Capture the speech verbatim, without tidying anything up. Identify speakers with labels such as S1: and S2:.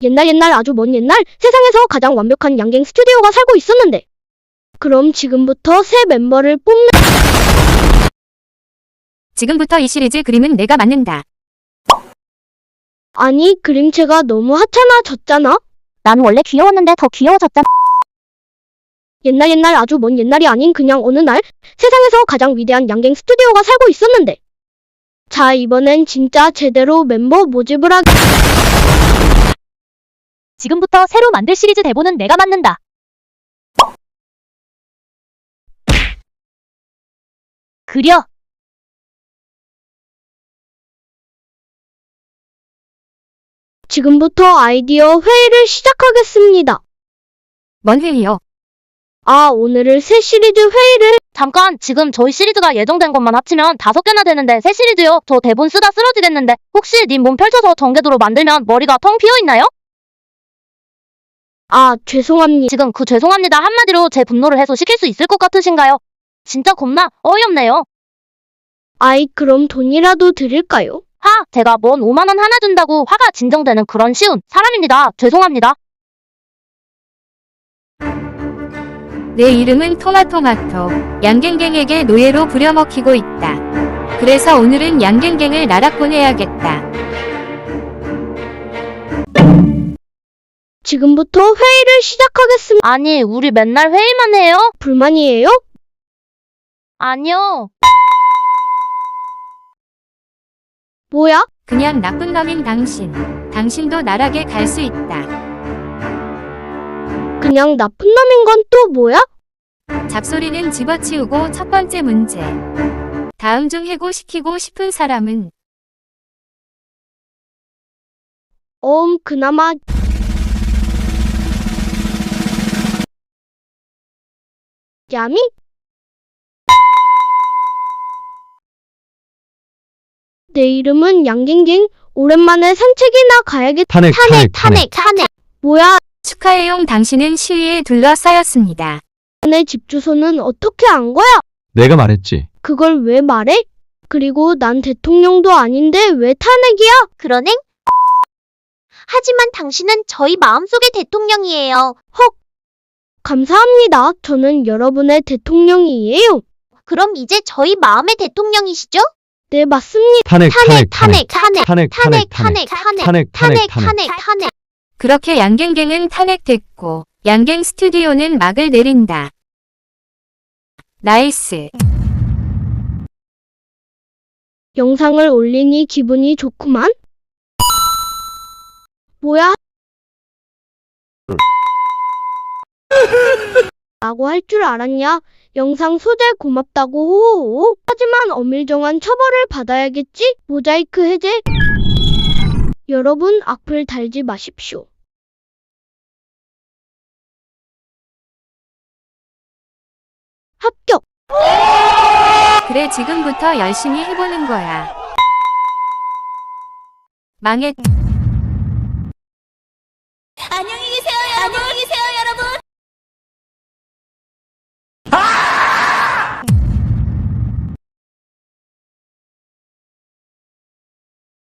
S1: 옛날 옛날 아주 먼 옛날 세상에서 가장 완벽한 양갱 스튜디오가 살고 있었는데 그럼 지금부터 새 멤버를 뽑는
S2: 지금부터 이 시리즈 그림은 내가 만든다.
S1: 아니 그림체가 너무 하찮아졌잖아.
S3: 난 원래 귀여웠는데 더 귀여워졌잖아.
S1: 옛날 옛날 아주 먼 옛날이 아닌 그냥 어느 날 세상에서 가장 위대한 양갱 스튜디오가 살고 있었는데 자 이번엔 진짜 제대로 멤버 모집을 하기
S3: 지금부터 새로 만들 시리즈 대본은 내가 만든다. 그려.
S1: 지금부터 아이디어 회의를 시작하겠습니다.
S2: 뭔 회의요?
S1: 아 오늘을 새 시리즈 회의를
S3: 잠깐, 지금 저희 시리즈가 예정된 것만 합치면 다섯 개나 되는데 새 시리즈요? 저 대본 쓰다 쓰러지겠는데 혹시 님 몸 펼쳐서 전개도로 만들면 머리가 텅 비어있나요?
S1: 아 죄송합니다.
S3: 지금 그 죄송합니다 한마디로 제 분노를 해소시킬 수 있을 것 같으신가요? 진짜 겁나 어이없네요.
S1: 아이 그럼 돈이라도 드릴까요?
S3: 하, 제가 뭔 오만 원 하나 준다고 화가 진정되는 그런 쉬운 사람입니다. 죄송합니다.
S2: 내 이름은 토마토마토. 양갱갱에게 노예로 부려먹히고 있다. 그래서 오늘은 양갱갱을 나락 보내야겠다.
S1: 지금부터 회의를 시작하겠습니다.
S3: 아니, 우리 맨날 회의만 해요?
S1: 불만이에요?
S3: 아니요.
S1: 뭐야?
S2: 그냥 나쁜 놈인 당신. 당신도 나락에 갈 수 있다.
S1: 그냥 나쁜 놈인 건 또 뭐야?
S2: 잡소리는 집어치우고 첫 번째 문제. 다음 중 해고시키고 싶은 사람은?
S1: 어음 그나마 야미? 내 이름은 양갱갱. 오랜만에 산책이나 가야겠.
S4: 탄핵, 탄핵,
S3: 탄핵, 탄핵.
S1: 뭐야?
S2: 축하해용 당신은 시위에 둘러싸였습니다.
S1: 내 집 주소는 어떻게 안 거야?
S4: 내가 말했지.
S1: 그걸 왜 말해? 그리고 난 대통령도 아닌데 왜 탄핵이야?
S3: 그러네? 하지만 당신은 저희 마음속의 대통령이에요.
S1: 헉. 감사합니다. 저는 여러분의 대통령이에요.
S3: 그럼 이제 저희 마음의 대통령이시죠?
S1: 네 맞습니다.
S4: 탄핵, 탄핵,
S3: 탄핵, 탄핵,
S4: 탄핵, 탄핵, 탄핵,
S3: 탄핵,
S4: 탄핵,
S3: 탄핵,
S4: 탄핵,
S3: 탄핵, 탄핵.
S2: 그렇게 양갱갱은 탄핵됐고 양갱 스튜디오는 막을 내린다. 나이스.
S1: 영상을 올리니 기분이 좋구만. 뭐야? 라고 할 줄 알았냐? 영상 소재 고맙다고 호호호. 하지만 엄밀정한 처벌을 받아야겠지? 모자이크 해제. 여러분 악플 달지 마십시오. 합격.
S2: 그래 지금부터 열심히 해보는 거야. 망했.
S3: 안녕히 계세요, 안녕히 계세요.